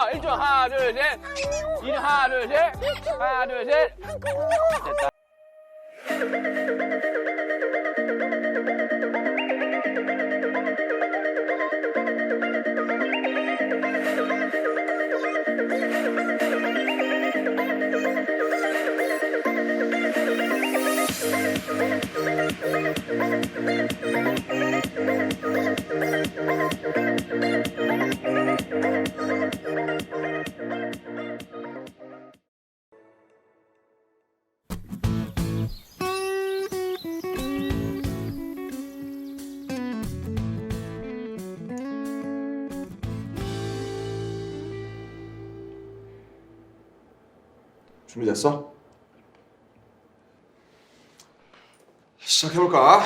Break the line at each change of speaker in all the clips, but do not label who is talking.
1조 하나, 둘, 셋. 2조 하나, 둘, 셋. 하나, 둘, 셋. 됐다.
준비됐어? 시작해볼까?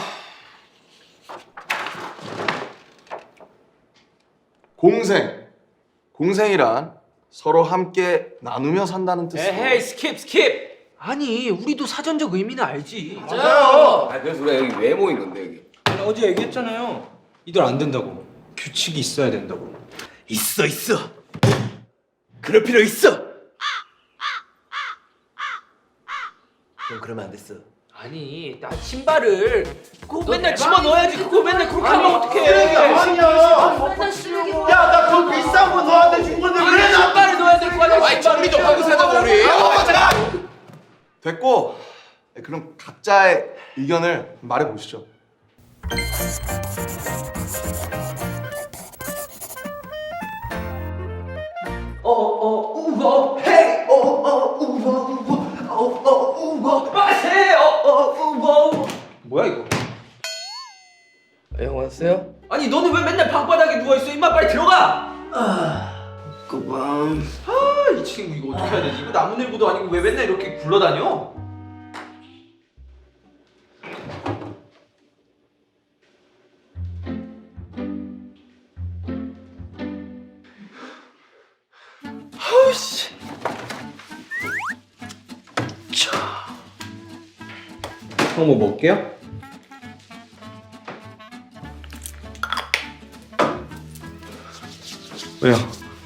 공생이란 서로 함께 나누며 산다는 뜻이야.
에헤이 스킵. 아니 우리도 사전적 의미는 알지.
맞아요. 그래서 우리가 여기 왜 모인 건데 여기?
어제 얘기했잖아요. 이들 안 된다고. 규칙이 있어야 된다고.
있어. 그럴 필요 있어. 넌 그러면 안 됐어.
아니 나 신발을 그거 맨날 집어 넣어야지. 그거 맨날 그렇게 하면 어떡해.
아니야.
맨날 쓰레기
야, 나 그 비싼 거 너한테 준 건데 왜 나?
신발을 넣어야 될 거 아니야.
아이 정리 좀 하고 사자고 우리.
됐고, 그럼 각자의 의견을 말해보시죠.
뭐야 이거?
형 왔어요?
아니 너는 왜 맨날 방바닥에 누워 있어? 임마 빨리 들어가.
그밤.
이 친구 이거 어떻게 해야 되지? 이거 나무늘보도 아니고 왜 맨날 이렇게 굴러다녀? 아우씨. 형 뭐 먹게요? 왜요?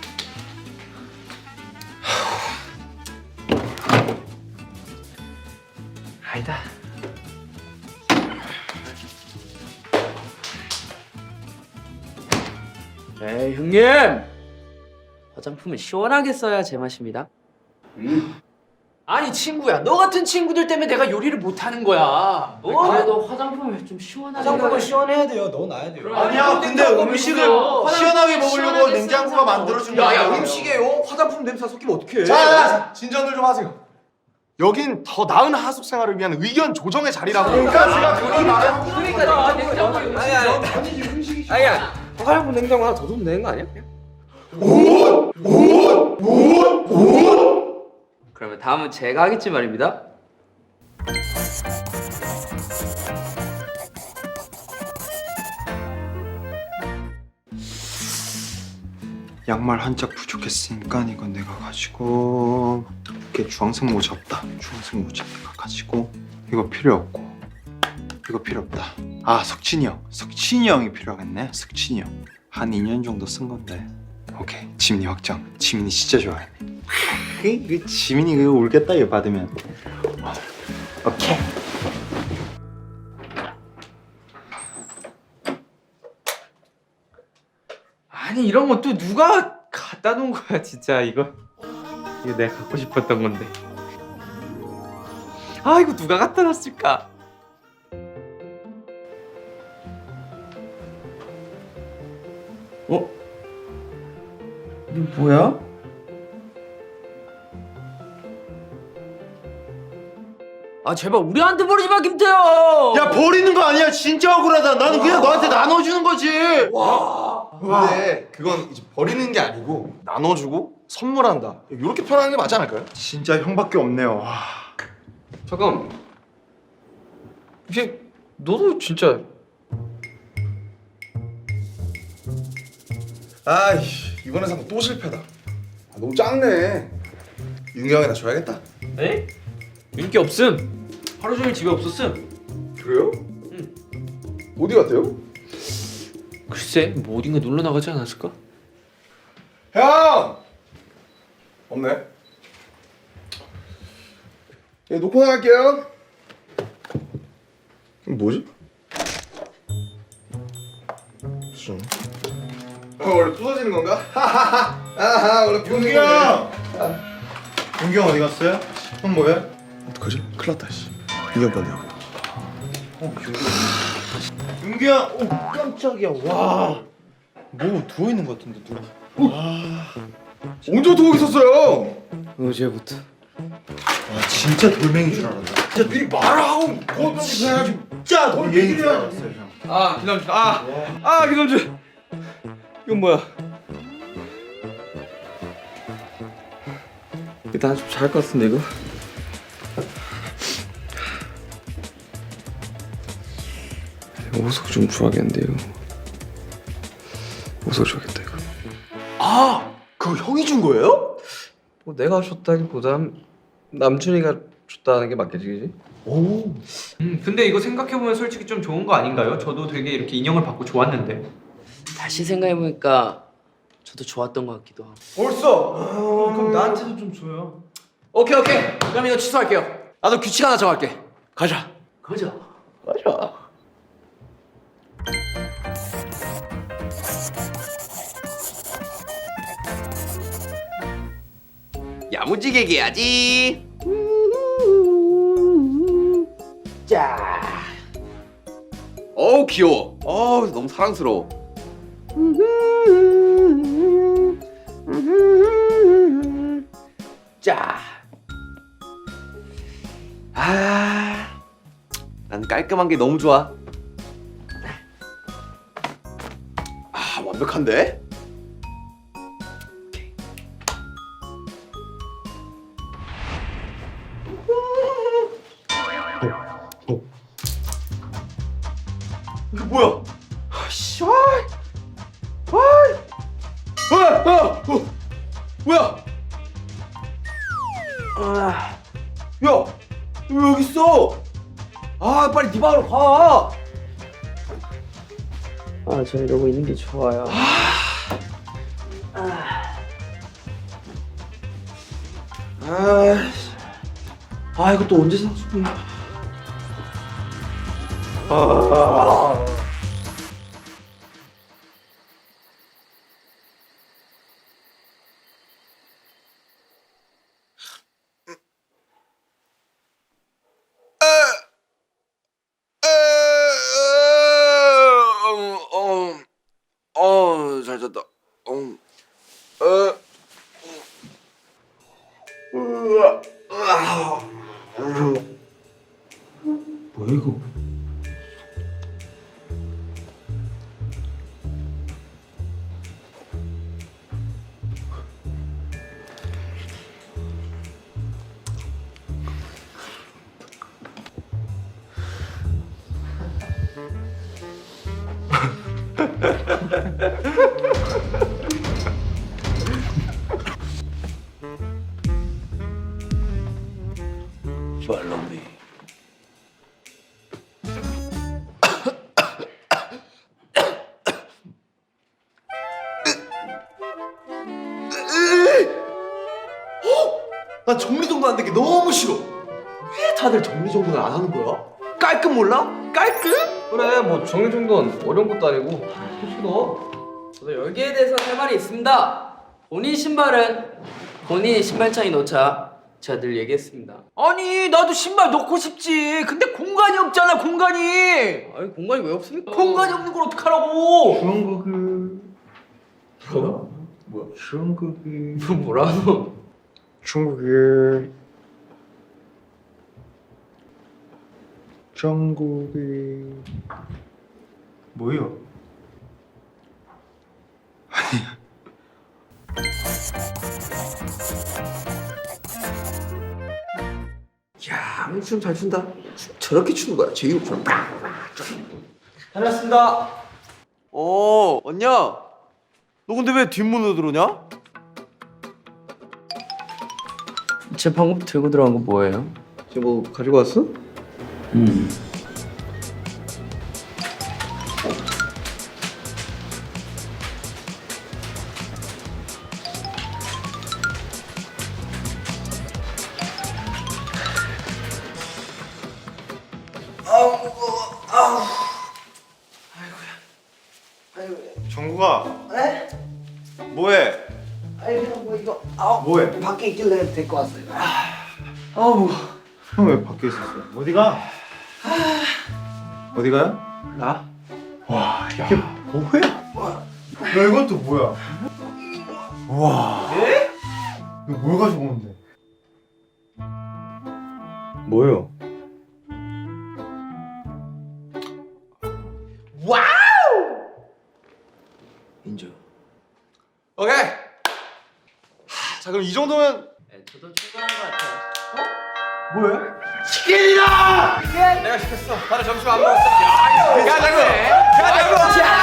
아니다.
에이 형님! 화장품은 시원하게 써야 제맛입니다.
아니 친구야, 너 같은 친구들 때문에 내가 요리를 못하는 거야.
그래도 화장품을 좀 시원하게
화장품은
시원해야 돼요. 넣어놔야
아니야,
근데 음식을 시원하게 먹으려고 냉장고가 만들어준 거야.
야야 음식에요? 화장품 냄새 섞이면 어떡해?
자, 진전들 좀 하세요. 여긴 더 나은 하숙 생활을 위한 의견 조정의 자리라고.
그러니까 제가 그걸 말하고
그러니까 냉장고
아니야. 화장품 냉장고 하나 더 두면 되는 거 아니야?
그러면 다음은 제가 하겠지 말입니다.
양말 한 짝 부족했으니까 이건 내가 가지고 이렇게 주황색 모자 없다. 주황색 모자 내가 가지고 이거 필요 없고 이거 필요 없다. 아 석진이 형이 필요하겠네. 석진이 형 한 2년 정도 쓴 건데 오케이 지민이 확정. 지민이 진짜 좋아해. 이거 지민이 이거 울겠다 이거 받으면. 오케이.
아니 이런 건 또 누가 갖다 놓은 거야 진짜 이거 내가 갖고 싶었던 건데. 아 이거 누가 갖다 놨을까?
이게 뭐야? 아 제발 우리한테 버리지 마 김태형!
야, 버리는 거 아니야. 진짜 억울하다. 나는 그냥 너한테 나눠주는 거지.
근데 그건 이제 버리는 게 아니고 나눠주고 선물한다. 이렇게 표현하는 게 맞지 않을까요?
진짜 형밖에 없네요. 와.
잠깐. 이제 너도 진짜
아이, 이번에 산 거 또 실패다. 너무 작네. 윤기 형이나 줘야겠다.
에? 인기 없음. 하루 종일 집에 없었음.
그래요? 어디 갔대요?
글쎄 뭐 어딘가 놀러 나가지 않았을까?
형! 없네. 예, 놓고 나갈게요. 이거 뭐지? 무슨? 원래 부서지는 건가? 하하하. 원래 부서지는 건가?
윤기 형 어디 갔어요? 형 뭐해?
어떡하지? 큰일 났다 씨. 인형 봤네요.
윤기 형! 오 깜짝이야. 와. 뭐 누워 있는 것 같은데 누워.
언제부터 거기 있었어요?
어제부터.
와 진짜 돌멩이인 줄 알았다. 진짜 미리 말하고 그것도 해야지. 진짜 돌멩이인 줄 알았어요 형.
아 김남준 김남준 이건 뭐야? 일단 좀 잘 것 같은데 이거? 오석 좀 줘야겠는데 이거 오석 줘야겠다 이거.
아, 그거 형이 준 거예요?
뭐 내가 줬다기보단 남준이가 줬다는 게 맞겠지, 그지?
오.
근데 이거 생각해보면 솔직히 좀 좋은 거 아닌가요? 저도 되게 이렇게 인형을 받고 좋았는데.
다시 생각해보니까 저도 좋았던 것 같기도 하고.
벌써?
그럼 나한테도 좀 줘요.
오케이. 그럼 이거 취소할게요. 나도 규칙 하나 정할게. 가자. 가자.
야무지게 해야지. 자. 어우 귀여워. 어우 너무 사랑스러워. 자. 난 깔끔한 게 너무 좋아. 완벽한데? 이거 뭐야? 아씨, 뭐야? 야, 왜 여기 있어? 아, 빨리 네 방으로 가.
저 이러고 있는 게 좋아요.
이거 또 언제 샀어? 잘 잤다.
뭐야 이거?
Follow me.
나 정리정돈 안 되게 너무 싫어. 왜 다들 정리정돈을 안 하는 거야? 깔끔 몰라? 깔끔?
그래, 뭐 정리정돈 어려운 것도 아니고 쉽지도.
저도 여기에 대해서 할 말이 있습니다. 본인 신발은 본인이 신발장에 놓자. 제가 늘 얘기했습니다.
아니 나도 신발 넣고 싶지. 근데 공간이 없잖아 공간이.
아니 공간이 왜 없습니까?
공간이 없는 걸 어떡하라고.
중국이
뭐라고?
중국이 중국이
뭐요?
야, 춤 잘 춘다. 저렇게 추는 거야. 제이홉처럼.
다녔습니다.
언냐? 너 근데 왜 뒷문으로 들어오냐?
제 방금 들고 들어간 거 뭐예요?
지금 뭐 가지고 왔어?
정국아.
네?
뭐해?
아니 그냥 뭐 이거
뭐해?
밖에 있길래 데리고 왔어요.
형 왜 밖에 있었어? 어디가? 어디가요?
나?
와 이게 뭐야? 야 이건 또 뭐야? 와. 예? 이거 뭘 가지고 온대? 뭐요?
인정.
오케이. 자 그럼 이 정도면
네, 저도 충분한 것 같아요.
뭐야?
내가 시켰어. 다들 점심 안 먹었어. 야 장군. 야 장군.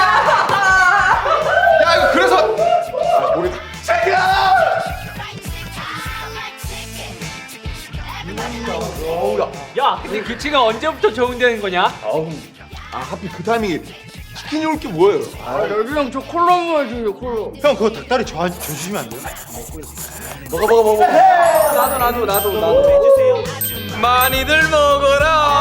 야 이거 그래서 모르겠다.
야 근데 규칙은 언제부터 적용되는 거냐?
아 하필 그 타이밍에 치킨이 올 게 뭐예요?
형, 저 콜라 먹어야지, 콜라.
형 그거 닭다리 주시면 안 돼요?
먹어.
나도.
많이들 먹어라